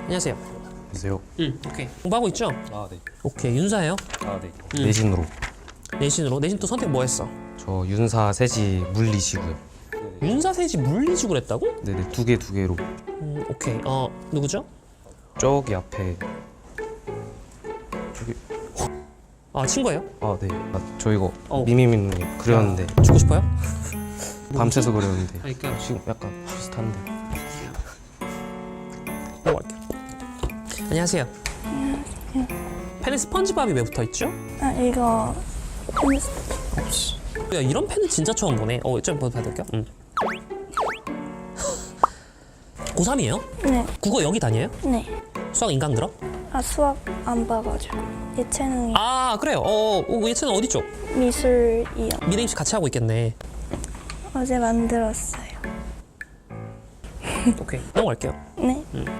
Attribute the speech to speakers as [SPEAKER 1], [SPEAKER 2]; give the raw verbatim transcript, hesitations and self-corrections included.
[SPEAKER 1] 안녕하세요.
[SPEAKER 2] 안녕하세요.
[SPEAKER 1] 응, 오케이. 공부하고 있죠?
[SPEAKER 2] 아, 네.
[SPEAKER 1] 오케이, 윤사예요?
[SPEAKER 2] 아, 네.
[SPEAKER 1] 음.
[SPEAKER 2] 내신으로.
[SPEAKER 1] 내신으로? 내신 또 선택 뭐 했어?
[SPEAKER 2] 저 윤사 세지 물리시고요.
[SPEAKER 1] 윤사, 세지, 물리식으로 했다고?
[SPEAKER 2] 네네, 두 개 두 개로.
[SPEAKER 1] 음, 오케이. 어, 누구죠?
[SPEAKER 2] 저기 앞에. 저기.
[SPEAKER 1] 아, 친구예요?
[SPEAKER 2] 아, 네. 아, 저 이거
[SPEAKER 1] 어.
[SPEAKER 2] 미미미님 그렸는데
[SPEAKER 1] 아, 죽고 싶어요?
[SPEAKER 2] 밤새서 그렸는데
[SPEAKER 1] 그러니까
[SPEAKER 2] 지금 약간 비슷한데.
[SPEAKER 1] 넘어갈게요. 안녕하세요. 펜에 스펀지밥이 왜 붙어 있죠?
[SPEAKER 3] 아 이거
[SPEAKER 1] 야, 이런 펜은 진짜 처음 보네. 어, 좀 받을게요. 응. 고삼이에요?
[SPEAKER 3] 네,
[SPEAKER 1] 국어 여기 다녀요?
[SPEAKER 3] 네.
[SPEAKER 1] 수학 인강 들어?
[SPEAKER 3] 아 수학 안 봐가지고 예체능이
[SPEAKER 1] 아, 그래요. 어, 어 예체는 어디 쪽?
[SPEAKER 3] 미술이요.
[SPEAKER 1] 미래 입시 같이 하고 있겠네.
[SPEAKER 3] 어제 만들었어요.
[SPEAKER 1] 오케이. 넘어갈게요.
[SPEAKER 3] 네.